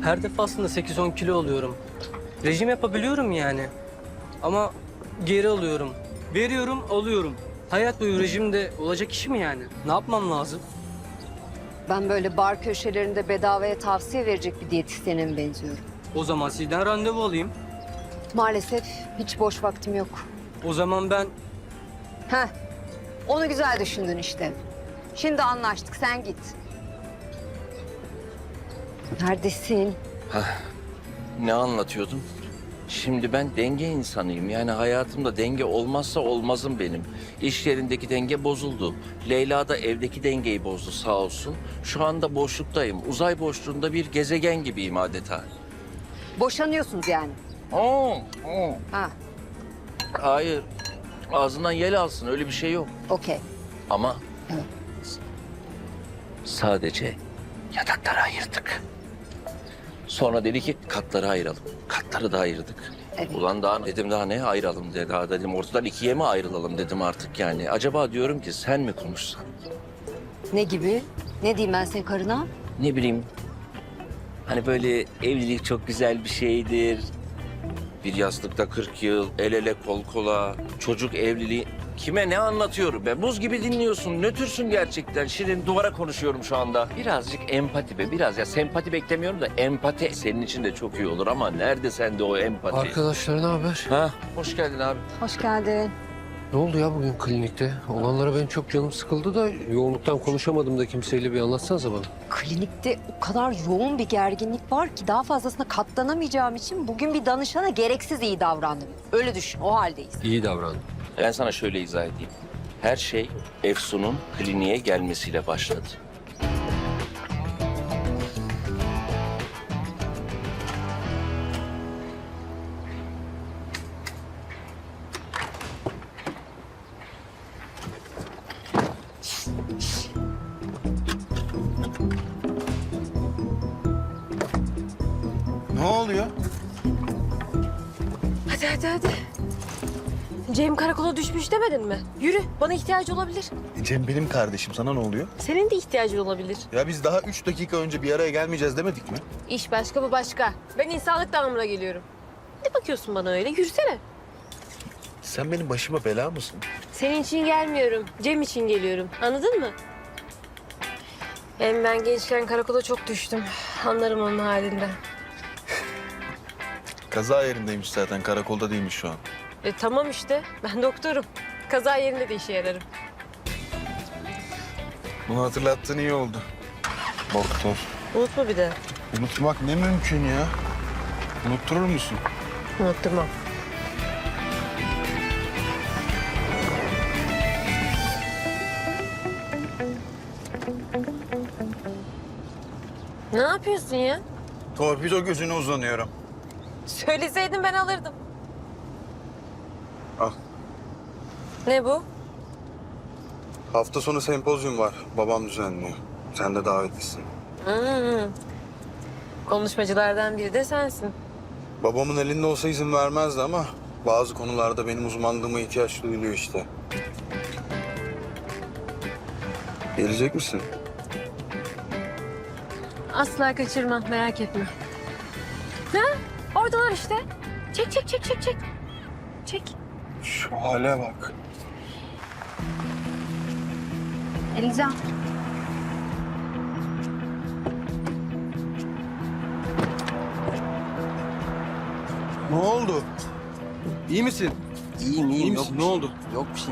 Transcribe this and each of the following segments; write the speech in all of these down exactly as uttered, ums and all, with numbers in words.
Her defasında sekiz on kilo oluyorum. Rejim yapabiliyorum yani. Ama geri alıyorum. Veriyorum, alıyorum. Hayat boyu rejimde olacak iş mi yani? Ne yapmam lazım? Ben böyle bar köşelerinde bedavaya tavsiye verecek bir diyetisyene mi benziyorum? O zaman sizden randevu alayım. Maalesef hiç boş vaktim yok. O zaman ben... Heh, onu güzel düşündün işte. Şimdi anlaştık, sen git. Neredesin? Ne anlatıyordum? Şimdi ben denge insanıyım. Yani hayatımda denge olmazsa olmazım benim. İş yerindeki denge bozuldu. Leyla da evdeki dengeyi bozdu sağ olsun. Şu anda boşluktayım. Uzay boşluğunda bir gezegen gibiyim adeta. Boşanıyorsunuz yani. Oo, oo. Ha, Hayır. Ağzından yel alsın. Öyle bir şey yok. okey. Ama Evet. sadece yatakları ayırdık. Sonra dedi ki katları ayıralım. Katları da ayırdık. Evet. Ulan daha dedim daha ne ayıralım dedi. Daha dedim ortadan ikiye mi ayrılalım dedim artık yani. Acaba diyorum ki sen mi konuşsan? Ne gibi? Ne diyeyim ben senin karına? Ne bileyim. Hani böyle evlilik çok güzel bir şeydir. Bir yastıkta kırk yıl, el ele kol kola, çocuk evliliği. Kime ne anlatıyorum be? Buz gibi dinliyorsun, nötürsün gerçekten. Şirin duvara konuşuyorum şu anda. Birazcık empati be, biraz ya sempati beklemiyorum da empati senin için de çok iyi olur ama nerede sende o empati? Arkadaşlar ne haber? Ha, hoş geldin abi. Hoş geldin. Ne oldu ya bugün klinikte? Olanlara benim çok canım sıkıldı da yoğunluktan konuşamadım da kimseyle, bir anlatsanıza bana. Klinikte o kadar yoğun bir gerginlik var ki daha fazlasına katlanamayacağım için bugün bir danışana gereksiz iyi davrandım. Öyle düşün, o haldeyiz. İyi davran. Ben sana şöyle izah edeyim. Her şey Efsun'un kliniğe gelmesiyle başladı. Ne oluyor? Hadi hadi hadi. Cem karakola düşmüş demedin mi? Yürü, bana ihtiyacı olabilir. Cem benim kardeşim. Sana ne oluyor? Senin de ihtiyacın olabilir. Ya biz daha üç dakika önce bir araya gelmeyeceğiz demedik mi? İş başka, bu başka. Ben insanlık damına geliyorum. Ne bakıyorsun bana öyle? Yürüsene. Sen benim başıma bela mısın? Senin için gelmiyorum, Cem için geliyorum. Anladın mı? Hem ben gençken karakola çok düştüm. Anlarım onun halinden. Kaza yerindeymiş zaten. Karakolda değilmiş şu an. E tamam işte, ben doktorum. Kaza yerinde de işe yararım. Bunu hatırlattığın iyi oldu. Doktor. Unutma bir de. Unutmak ne mümkün ya? Unutturur musun? Unutturmam. Ne yapıyorsun ya? Torpido gözüne uzanıyorum. Söyleseydin ben alırdım. Al. Ne bu? Hafta sonu sempozyum var. Babam düzenliyor. Sen de davetlisin. Hmm. Konuşmacılardan biri de sensin. Babamın elinde olsa izin vermezdi ama bazı konularda benim uzmanlığıma ihtiyaç duyuluyor işte. Gelecek misin? Asla kaçırmam, merak etme. Ha? Oradalar işte. Çek, çek, çek, çek, çek. Çek. Şu hale bak. Elican. Ne oldu? İyi misin? İyiyim iyiyim. İyi Yok misin? bir Ne şey. oldu? Yok bir şey.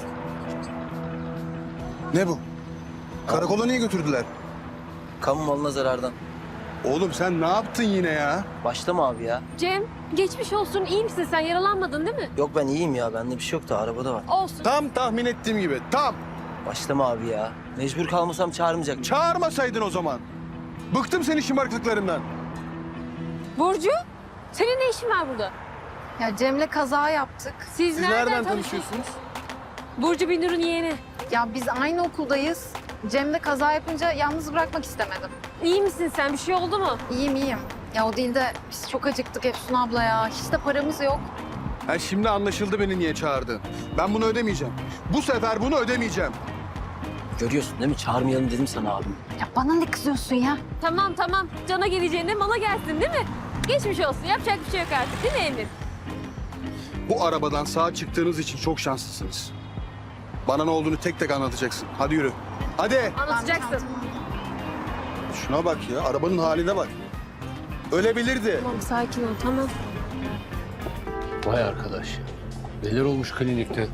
Ne bu? Karakola niye götürdüler? Kamu malına zarardan. Oğlum sen ne yaptın yine ya? Başlama abi ya. Cem, geçmiş olsun. İyi misin sen? Yaralanmadın değil mi? Yok ben iyiyim ya. Bende bir şey yok da arabada var. Olsun. Tam tahmin ettiğim gibi. Tam. Başlama abi ya. Mecbur kalmasam çağırmayacak. Çağırmasaydın o zaman. Bıktım senin şımarıklıklarından. Burcu, senin ne işin var burada? Ya Cem'le kaza yaptık. Siz, Siz nereden, nereden tanışıyorsunuz? tanışıyorsunuz? Burcu Binur'un yeğeni. Ya biz aynı okuldayız. Cem'le kaza yapınca yalnız bırakmak istemedim. İyi misin sen? Bir şey oldu mu? İyiyim iyiyim. Ya o değil de biz çok acıktık Efsun abla ya. Hiç de paramız yok. Ha, şimdi anlaşıldı beni niye çağırdın. Ben bunu ödemeyeceğim. Bu sefer bunu ödemeyeceğim. Görüyorsun değil mi? Çağırmayalım dedim sana abim. Ya bana ne kızıyorsun ya? Tamam tamam. Cana geleceğine mala gelsin değil mi? Geçmiş olsun. Yapacak bir şey yok artık değil mi Emir? Bu arabadan sağ çıktığınız için çok şanslısınız. Bana ne olduğunu tek tek anlatacaksın. Hadi yürü. Hadi. Anlatacaksın. Şuna bak ya, arabanın haline bak. Ölebilirdi. Tamam sakin ol tamam. Vay arkadaş ya. Neler olmuş klinikte?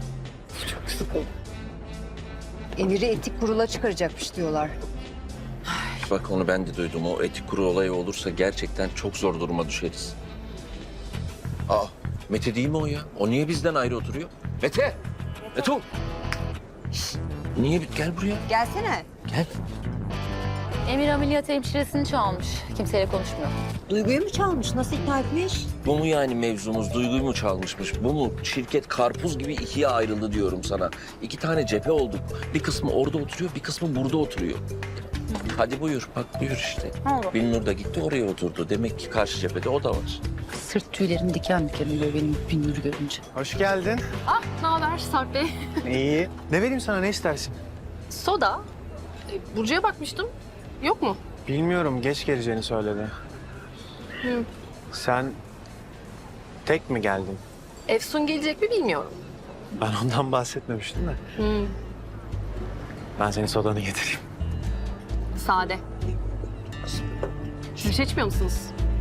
Emir'i etik kurula çıkaracakmış diyorlar. Bak onu ben de duydum. O etik kuru olayı olursa gerçekten çok zor duruma düşeriz. Aa, Mete değil mi o ya? O niye bizden ayrı oturuyor? Mete! Mete ol! Şişt, niye? Gel buraya. Gelsene. Gel. Emir ameliyat hemşiresini çalmış. Kimseyle konuşmuyor. Duyguyu mu çalmış? Nasıl ikna etmiş? Bu mu yani mevzumuz? Duyguyu mu çalmışmış? Bu mu? Şirket karpuz gibi ikiye ayrıldı diyorum sana. İki tane cephe olduk. Bir kısmı orada oturuyor, bir kısmı burada oturuyor. Hadi buyur, bak buyur işte. Ne oldu? Binnur da gitti oraya oturdu. Demek ki karşı cephede o da var. Sırt tüylerim diken diken oluyor benim Binnur'u görünce. Hoş geldin. Ah ne haber Sarp Bey? İyi. Ne vereyim sana, ne istersin? Soda. E, Burcu'ya bakmıştım. Yok mu? Bilmiyorum, geç geleceğini söyledi. Hı. Sen tek mi geldin? Efsun gelecek mi bilmiyorum. Ben ondan bahsetmemiştim de. Hı. Ben senin sodanı getireyim. Sade. Siz bir şey içmiyor musunuz?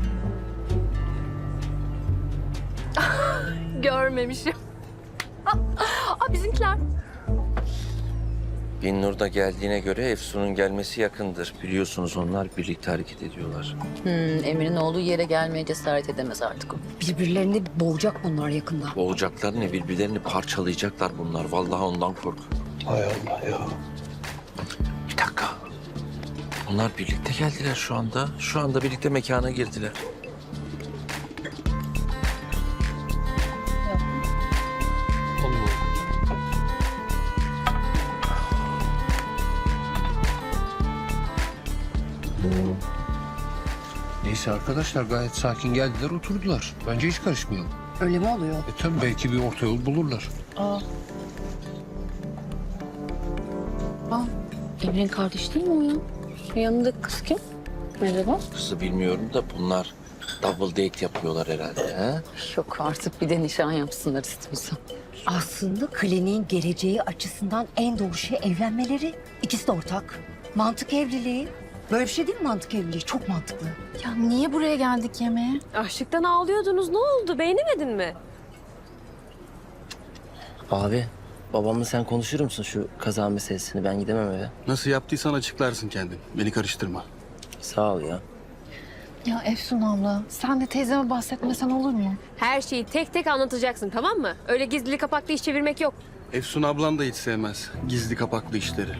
Görmemişim. Aa, bizimkiler. Binnur da geldiğine göre Efsun'un gelmesi yakındır. Biliyorsunuz onlar birlikte hareket ediyorlar. Hmm, Emir'in olduğu yere gelmeye cesaret edemez artık o. Birbirlerini boğacak bunlar yakında. Boğacaklar ne? Birbirlerini parçalayacaklar bunlar. Vallahi ondan kork. Hay Allah ya. Bir dakika. Onlar birlikte geldiler şu anda. Şu anda birlikte mekana girdiler. Allah. Neyse arkadaşlar gayet sakin geldiler oturdular. Bence hiç karışmayalım. Öyle mi oluyor? E tabii belki bir orta yol bulurlar. Emir'in kardeşi değil mi o ya? Şu yanındaki kız kim? Merhaba. Kızı bilmiyorum da bunlar double date yapıyorlar herhalde. Ha? Yok artık bir de nişan yapsınlar istiyorsan. Aslında kliniğin geleceği açısından en doğru şey evlenmeleri. İkisi de ortak. Mantık evliliği. Böyle bir şey değil mi mantık evliliği? Çok mantıklı. Ya niye buraya geldik yemeğe? Açlıktan ağlıyordunuz. Ne oldu? Beğenemedin mi? Abi, babamla sen konuşur musun şu kaza meselesini? Ben gidemem eve. Nasıl yaptıysan açıklarsın kendin. Beni karıştırma. Sağ ol ya. Ya Efsun abla sen de teyzeme bahsetmesen olur mu? Her şeyi tek tek anlatacaksın tamam mı? Öyle gizli kapaklı iş çevirmek yok. Efsun ablan da hiç sevmez gizli kapaklı işleri.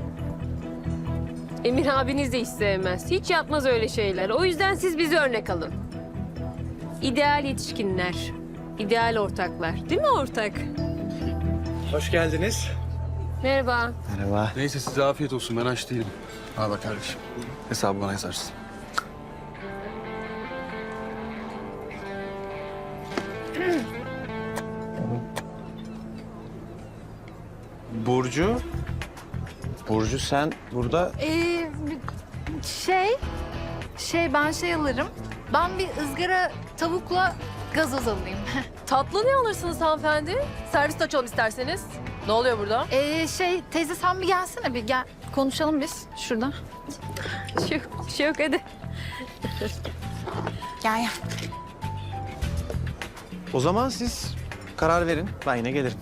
Emir abiniz de hiç sevmez. Hiç yapmaz öyle şeyler. O yüzden siz bize örnek alın. İdeal yetişkinler. İdeal ortaklar. Değil mi ortak? Hoş geldiniz. Merhaba. Merhaba. Neyse size afiyet olsun, ben aç değilim. Al bak kardeşim. Hesabı bana yazarsın. Burcu. Burcu sen burada... Ee, şey, şey ben şey alırım. Ben bir ızgara tavukla gazoz alayım. Tatlı ne alırsınız hanımefendi? Servis açalım isterseniz. Ne oluyor burada? Ee, şey teyze sen bir gelsene bir gel. Konuşalım biz şurada. Bir şey yok, bir şey yok hadi. Gel gel. O zaman siz karar verin. Ben yine gelirim.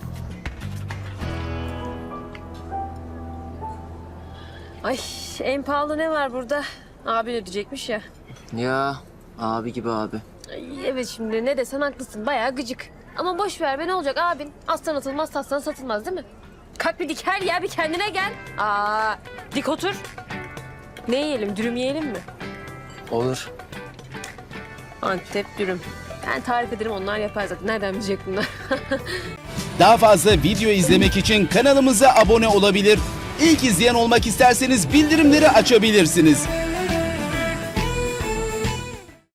Ay en pahalı ne var burada? Abin ödeyecekmiş ya. Ya, abi gibi abi. Ay, evet şimdi ne desen haklısın. Bayağı gıcık. Ama boş ver be ne olacak abin? Aslan atılmaz, satsan satılmaz değil mi? Kalk bir diker ya bir kendine gel. Aa, dik otur. Ne yiyelim? Dürüm yiyelim mi? Olur. Antep dürüm. Ben tarif ederim onlar yapar zaten. Nereden bilecek bunlar? Daha fazla video izlemek için kanalımıza abone olabilir. İlk izleyen olmak isterseniz bildirimleri açabilirsiniz.